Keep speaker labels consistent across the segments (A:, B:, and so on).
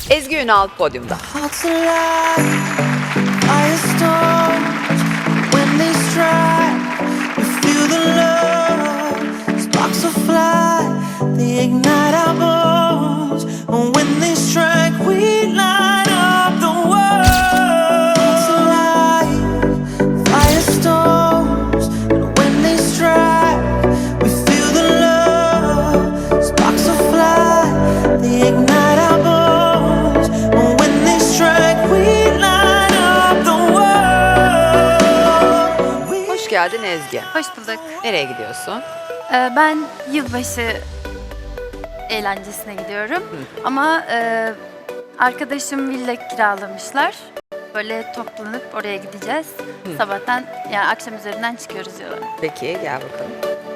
A: Ezgi Ünal podyumda.
B: Hearts alive, firestorms. When they strike, we feel the love. Sparks will fly, they ignite our bones. And when they strike, we light up the world. Hearts alive, firestorms. And when they strike, we feel the love. Sparks will fly, they ignite our bones. And when they strike, we light up the world.
A: Hoş geldin Ezgi.
C: Hoş bulduk.
A: Nereye gidiyorsun?
C: Ben yılbaşı eğlencesine gidiyorum. Ama arkadaşım villa kiralamışlar. Böyle toplanıp oraya gideceğiz. Sabahtan yani akşam üzerinden çıkıyoruz yola.
A: Peki gel bakalım.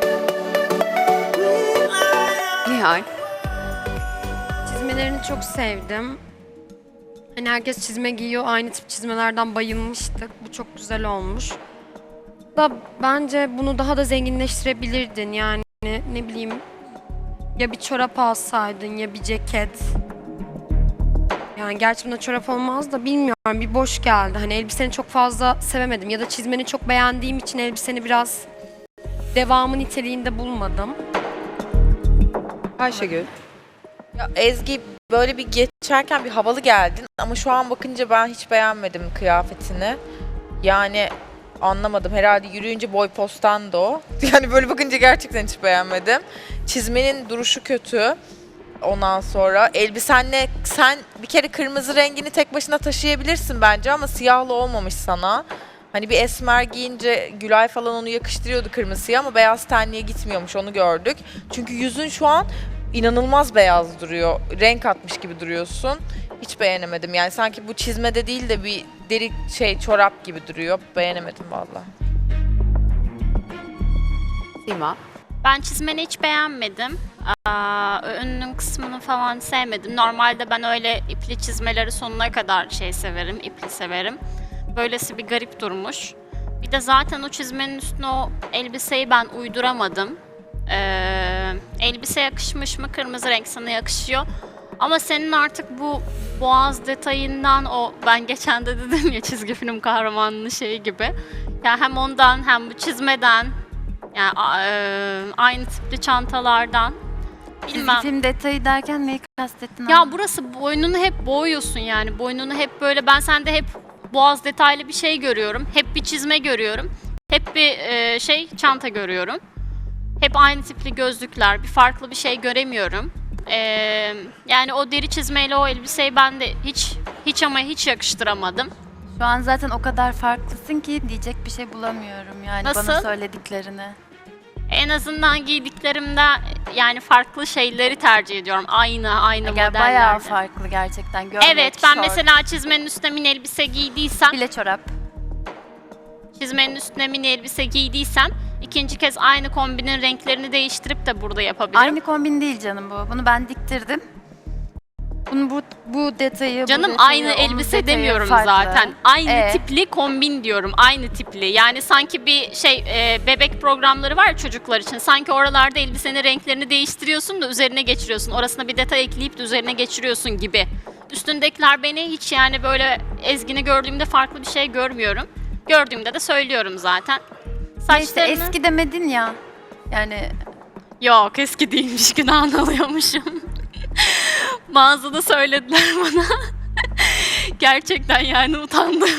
A: Nihal.
D: Çizmelerini çok sevdim. Hani herkes çizme giyiyor, aynı tip çizmelerden bayılmıştık. Bu çok güzel olmuş. Da bence bunu daha da zenginleştirebilirdin yani ne bileyim ya bir çorap alsaydın ya bir ceket. Yani gerçi bunda çorap olmaz da bilmiyorum bir boş geldi. Hani elbiseni çok fazla sevemedim ya da çizmeni çok beğendiğim için elbiseni biraz devamı niteliğinde bulmadım.
A: Ayşegül.
E: Ya Ezgi böyle bir geçerken bir havalı geldin ama şu an bakınca ben hiç beğenmedim kıyafetini. Yani anlamadım. Herhalde yürüyünce boy postan da o. Yani böyle bakınca gerçekten hiç beğenmedim. Çizmenin duruşu kötü. Ondan sonra elbisenle sen bir kere kırmızı rengini tek başına taşıyabilirsin bence ama siyahlı olmamış sana. Hani bir esmer giyince Gülay falan onu yakıştırıyordu kırmızıya ama beyaz tenliğe gitmiyormuş onu gördük. Çünkü yüzün şu an inanılmaz beyaz duruyor. Renk atmış gibi duruyorsun. Hiç beğenemedim. Yani sanki bu çizmede değil de bir deri çorap gibi duruyor. Beğenemedim valla.
A: Sima.
F: Ben çizmeni hiç beğenmedim. Önünün kısmını falan sevmedim. Normalde ben öyle ipli çizmeleri sonuna kadar severim, ipli severim. Böylesi bir garip durmuş. Bir de zaten o çizmenin üstüne o elbiseyi ben uyduramadım. Elbise yakışmış mı? Kırmızı renk sana yakışıyor. Ama senin artık bu boğaz detayından o ben geçen de dedim ya çizgi film kahramanının şeyi gibi. Yani hem ondan hem bu çizmeden yani aynı tipli çantalardan bilmem.
C: Çizgi film detayı derken neyi kastettin?
F: Ya burası boynunu hep boğuyorsun yani. Boynunu hep böyle ben sende hep boğaz detaylı bir şey görüyorum. Hep bir çizme görüyorum. Hep bir çanta görüyorum. Hep aynı tipli gözlükler. Bir farklı bir şey göremiyorum. Yani o deri çizmeyle o elbiseyi ben de hiç yakıştıramadım.
C: Şu an zaten o kadar farklısın ki diyecek bir şey bulamıyorum yani
F: Nasıl?
C: bana söylediklerini.
F: En azından giydiklerimde yani farklı şeyleri tercih ediyorum. Aynı
C: Yani
F: modellerde.
C: bayağı farklı gerçekten. Gömlek,
F: Evet ben
C: şort,
F: mesela çizmenin üstüne mini elbise giydiysem,
C: bile çorap.
F: çizmenin üstüne mini elbise giydiysem ikinci kez aynı kombinin renklerini değiştirip de burada yapabilirim.
C: Aynı kombin değil canım bu. Bunu ben diktirdim. Bunu bu detayı,
F: Canım
C: bu detayı,
F: aynı
C: onun
F: elbise
C: detayı
F: demiyorum
C: farklı.
F: zaten. Aynı tipli kombin diyorum. Aynı tipli. Yani sanki bir bebek programları var ya çocuklar için. Sanki oralarda elbisenin renklerini değiştiriyorsun da üzerine geçiriyorsun. Orasına bir detay ekleyip de üzerine geçiriyorsun gibi. Üstündekiler beni hiç yani böyle Ezgi'ni gördüğümde farklı bir şey görmüyorum. Gördüğümde de söylüyorum zaten.
C: Neyse
F: Saçlarını...
C: eski demedin ya. Yani
F: Yok eski değilmiş günahını alıyormuşum. Mağazada söylediler bana. Gerçekten yani utandım.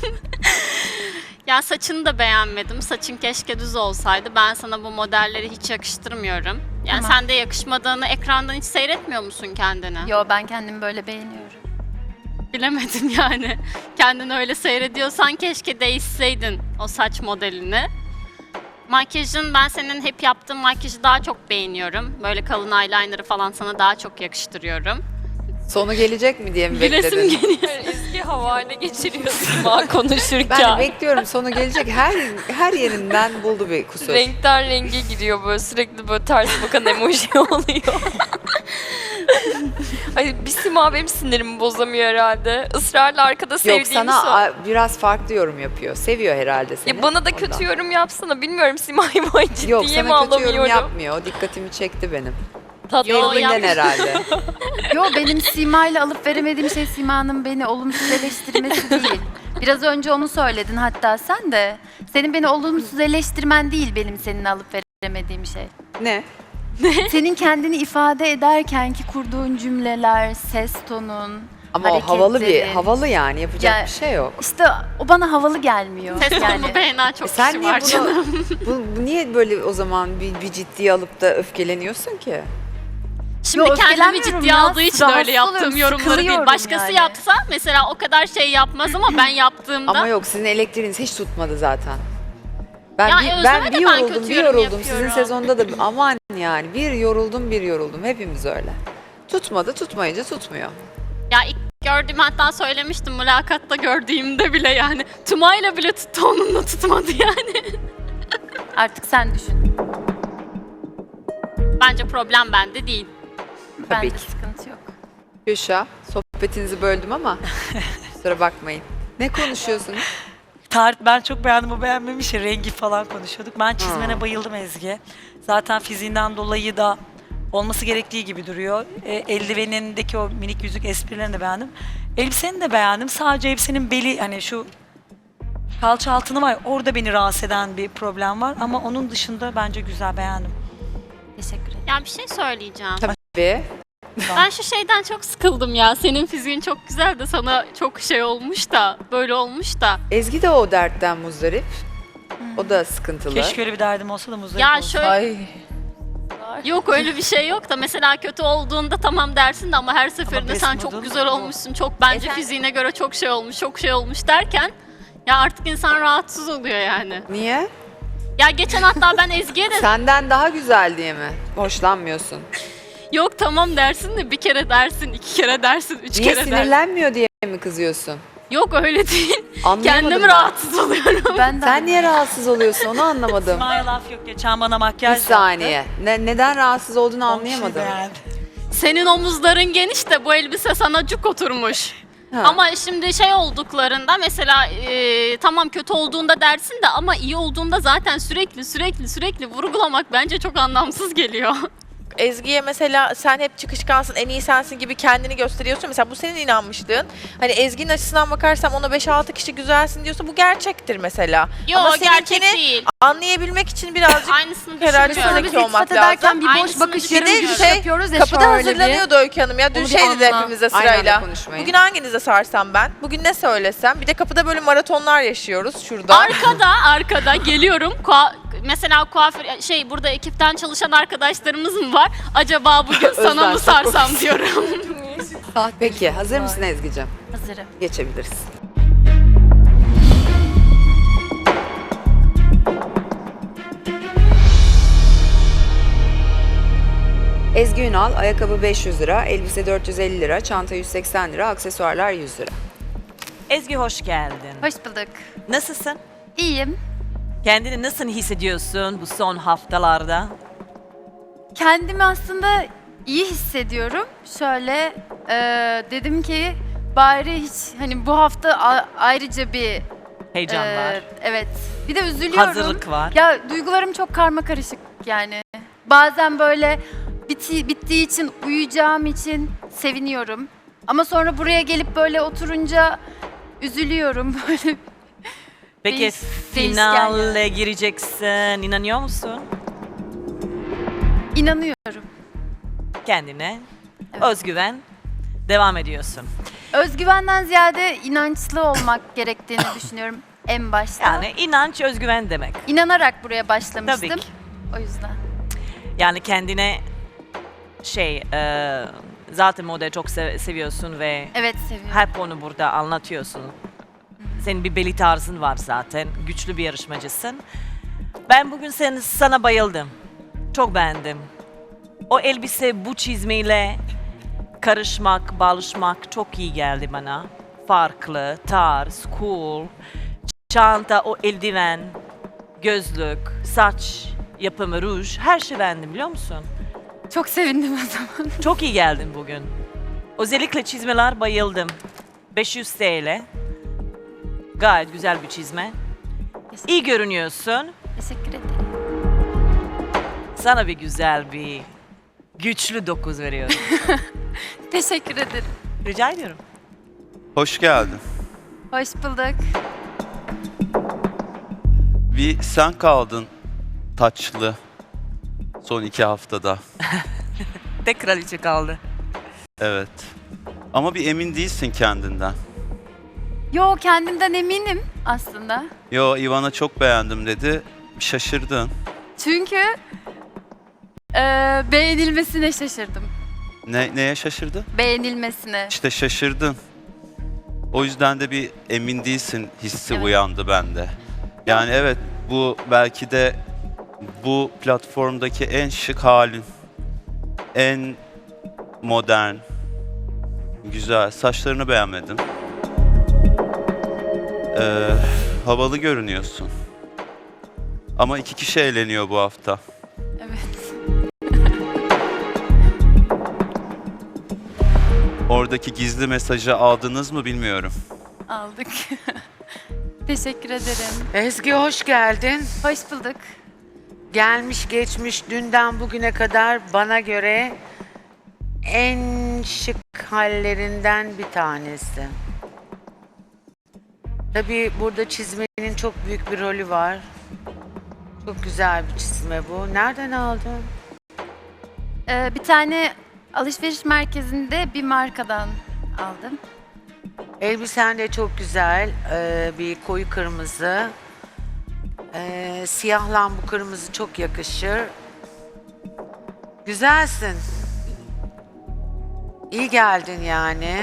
F: Ya saçını da beğenmedim. Saçın keşke düz olsaydı. Ben sana bu modelleri hiç yakıştırmıyorum. Yani
C: Tamam.
F: sen de yakışmadığını ekrandan hiç seyretmiyor musun kendini?
C: yo ben kendimi böyle beğeniyorum.
F: Bilemedim yani. Kendini öyle seyrediyorsan keşke değişseydin o saç modelini. Makyajın ben senin hep yaptığın makyajı daha çok beğeniyorum. Böyle kalın eyeliner'ı falan sana daha çok yakıştırıyorum.
A: Sonu gelecek mi diye mi
F: Gülesim
A: bekledin?
F: geliyor.
G: Ezgi havale geçiriyor Sima konuşurken.
A: Ben de bekliyorum sonu gelecek. Her yerinden buldu bir kusur.
G: Renkten renge giriyor böyle sürekli böyle ters bakan emoji oluyor. Ay bir Sima benim sinirimi bozamıyor herhalde. Israrla arkada
A: Yok
G: sevdiğimi
A: sana biraz farklı yorum yapıyor. Seviyor herhalde seni.
G: Ya bana da
A: ondan.
G: kötü yorum yapsana. Bilmiyorum Sima'yı böyle ciddiye
A: Yok
G: mi
A: sana kötü yorum
G: alamıyorum?
A: yapmıyor. O dikkatimi çekti benim. Sevdiğinden herhalde.
C: Yo benim Sima'yla alıp veremediğim şey Sima'nın beni olumsuz eleştirmesi değil. Biraz önce onu söyledin hatta sen de. Senin beni olumsuz eleştirmen değil benim seninle alıp veremediğim şey.
A: Ne?
C: Senin kendini ifade ederken ki kurduğun cümleler, ses tonun,
A: Ama o havalı
C: hareketlerin.
A: havalı yani yapacak
C: Ya-
A: bir şey yok.
C: İşte o bana havalı gelmiyor.
F: Ses
C: yani.
F: tonunu beğenen çok
A: Sen
F: kişi
A: niye
F: var canım.
A: bu niye böyle o zaman bir ciddiye alıp da öfkeleniyorsun ki?
F: Şimdi
C: Yo,
F: kendimi
C: öfkelenmiyorum
F: ciddiye
C: ya.
F: aldığı için
C: Rahatsız
F: öyle yaptığım
C: oluyorum,
F: yorumları değil.
C: sıkılıyorum
F: Başkası
C: yani.
F: yapsa mesela o kadar şey yapmaz ama ben yaptığımda
A: Ama yok sizin elektriğiniz hiç tutmadı zaten. Ben
F: Ya
A: bir,
F: Özlem'e
A: ben
F: de
A: bir
F: ben
A: yoruldum,
F: kötü
A: bir
F: yorum
A: yoruldum. Sizin
F: yapıyorum.
A: sezonda da aman yani bir yoruldum. Hepimiz öyle. Tutmadı, tutmayınca tutmuyor.
F: ya ilk gördüğüm hatta söylemiştim mülakatta gördüğümde bile yani. Tumayla bile tuttu onunla tutmadı yani.
C: Artık sen düşün.
F: Bence problem bende değil.
C: Bence
A: ki.
C: sıkıntı yok.
A: Gülşah, sohbetinizi böldüm ama kusura bakmayın. Ne konuşuyorsunuz?
H: Ben çok beğendim, o beğenmemiş ya, rengi falan konuşuyorduk. Ben çizmene bayıldım Ezgi. Zaten fiziğinden dolayı da olması gerektiği gibi duruyor. Eldivenindeki o minik yüzük esprilerini de beğendim. Elbiseni de beğendim. Sadece elbisenin beli, hani şu kalça altını var ya, orada beni rahatsız eden bir problem var. Ama onun dışında bence güzel, beğendim.
C: Teşekkür ederim.
F: Ya bir şey söyleyeceğim.
A: Ve
F: Ben şu şeyden çok sıkıldım ya. Senin fiziğin çok güzel de sana çok şey olmuş da böyle olmuş da.
A: Ezgi de o dertten muzdarip. O da sıkıntılı.
H: Keşke öyle bir derdim olsa da muzdarip
F: Ya
H: olsam.
F: şöyle
E: Ay.
F: yok öyle bir şey yok da mesela kötü olduğunda tamam dersin de ama her seferinde
H: best
F: sen çok
H: model
F: güzel
H: bu.
F: olmuşsun. Çok bence fiziğine göre çok şey olmuş derken ya artık insan rahatsız oluyor yani.
A: Niye?
F: Ya geçen hatta ben Ezgi'ye de
A: Senden daha güzel diye mi? Hoşlanmıyorsun.
F: yok tamam dersin de bir kere dersin, iki kere dersin, üç
A: Niye
F: kere dersin.
A: sinirlenmiyor diye mi kızıyorsun?
F: Yok öyle değil.
A: Anlayamadım
F: Kendim
A: ben.
F: rahatsız oluyorum.
C: Ben de
A: Sen niye rahatsız oluyorsun onu anlamadım.
H: Sima'ya laf yok. Geçen bana
A: Bir
H: makyaj
A: saniye. Neden rahatsız olduğunu
H: yaptı. Onun için
A: anlayamadım.
H: beğendim.
F: Senin omuzların geniş de bu elbise sana cuk oturmuş.
A: Ha.
F: Ama şimdi şey olduklarında mesela tamam kötü olduğunda dersin de ama iyi olduğunda zaten sürekli vurgulamak bence çok anlamsız geliyor.
E: Ezgi'ye mesela sen hep çıkışkansın, en iyi sensin gibi kendini gösteriyorsun. Mesela bu senin inanmışlığın. Hani Ezgi'nin açısından bakarsam ona 5-6 kişi güzelsin diyorsa bu gerçektir mesela.
F: Yok
E: Ama
F: gerçek
E: seninkini
F: değil.
E: anlayabilmek için birazcık
F: Aynısını
E: herhalde
F: düşünmüyorum.
E: zeki
C: biz
E: olmak
C: iltifat ederken
E: lazım.
C: bir boş
F: Aynısını
C: bakış
F: düşünün.
C: yarım
E: Bir de
C: gülüş
E: şey,
C: yapıyoruz ya
E: kapıda
C: şöyle bir.
E: hazırlanıyordu Öykü Hanım ya. Dün
C: Onu bir
E: şeydi de
C: anla.
E: hepimize
A: Aynı anda
E: sırayla.
A: konuşmayın.
E: Bugün hanginize sarsam ben? Bugün ne söylesem? Bir de kapıda böyle maratonlar yaşıyoruz şurada.
F: Arkada geliyorum. Mesela kuaför burada ekipten çalışan arkadaşlarımız mı var? Acaba bugün sana
A: Özlem,
F: mı
A: çok
F: sarsam diyorum.
A: Peki hazır mısın Ezgi'cim?
C: Hazırım.
A: Geçebiliriz. Ezgi Ünal, ayakkabı 500 lira, elbise 450 lira, çanta 180 lira, aksesuarlar 100 lira.
I: Ezgi hoş geldin.
C: Hoş bulduk.
I: Nasılsın?
C: İyiyim.
I: Kendini nasıl hissediyorsun bu son haftalarda?
C: Kendimi aslında iyi hissediyorum. Şöyle dedim ki bari hiç hani bu hafta ayrıca bir
I: Heyecan var.
C: evet. Bir de üzülüyorum.
I: Hazırlık var.
C: Ya duygularım çok karma karışık yani. Bazen böyle bittiği için uyuyacağım için seviniyorum. Ama sonra buraya gelip böyle oturunca üzülüyorum böyle.
I: Peki
C: değişken
I: finale
C: yani.
I: gireceksin. İnanıyor musun
C: İnanıyorum.
I: kendine?
C: Evet.
I: Özgüven. Devam ediyorsun.
C: Özgüvenden ziyade inançlı olmak gerektiğini düşünüyorum en başta.
I: Yani inanç, özgüven demek.
C: İnanarak buraya başlamıştım.
I: Tabii ki.
C: O yüzden.
I: Yani kendine zaten modayı çok seviyorsun ve
C: Evet seviyorum.
I: hep onu burada anlatıyorsun. Senin bir belli tarzın var zaten. Güçlü bir yarışmacısın. Ben bugün sana bayıldım. Çok beğendim. O elbise bu çizmeyle karışmak, bağlaşmak çok iyi geldi bana. Farklı, tarz, cool. Çanta, o eldiven, gözlük, saç yapımı, ruj. Her şey beğendim biliyor musun?
C: Çok sevindim o zaman.
I: Çok iyi geldin bugün. Özellikle çizmeler bayıldım. 500 TL. Gayet güzel bir çizme. İyi görünüyorsun.
C: Teşekkür ederim.
I: Sana bir güzel bir Güçlü 9 veriyorum.
C: Teşekkür ederim.
I: Rica ediyorum.
J: Hoş geldin.
C: Hoş bulduk.
J: Bir sen kaldın taçlı son 2 haftada.
I: Tek kraliçe kaldı.
J: Evet. Ama bir emin değilsin kendinden.
C: Yo, kendimden eminim aslında.
J: Yo, Ivana çok beğendim dedi. Şaşırdın.
C: Çünkü beğenilmesine şaşırdım.
J: Neye şaşırdın?
C: Beğenilmesine.
J: İşte şaşırdın. O yüzden de bir emin değilsin hissi
C: Evet.
J: uyandı bende. Yani evet, bu belki de bu platformdaki en şık halin. En modern. Güzel. Saçlarını beğenmedim. Havalı görünüyorsun. Ama 2 kişi eğleniyor bu hafta.
C: Evet.
J: Oradaki gizli mesajı aldınız mı bilmiyorum.
C: Aldık. Teşekkür ederim.
K: Ezgi hoş geldin.
C: Hoş bulduk.
K: Gelmiş geçmiş dünden bugüne kadar bana göre en şık hallerinden bir tanesi. Tabii burada çizmenin çok büyük bir rolü var. Çok güzel bir çizme bu. Nereden aldın?
C: Bir tane alışveriş merkezinde bir markadan aldım.
K: Elbisen de çok güzel. Bir koyu kırmızı. Siyahla bu kırmızı çok yakışır. Güzelsin. İyi geldin yani.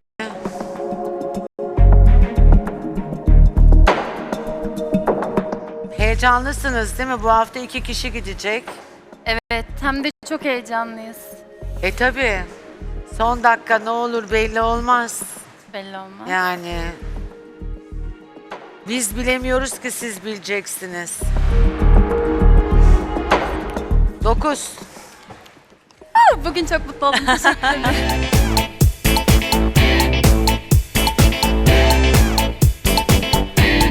K: Heyecanlısınız değil mi? Bu hafta 2 kişi gidecek.
C: Evet, hem de çok heyecanlıyız.
K: Tabii. Son dakika ne olur belli olmaz.
C: Belli olmaz.
K: Yani. Biz bilemiyoruz ki siz bileceksiniz. 9.
C: Bugün çok mutlu oldum. Teşekkür ederim.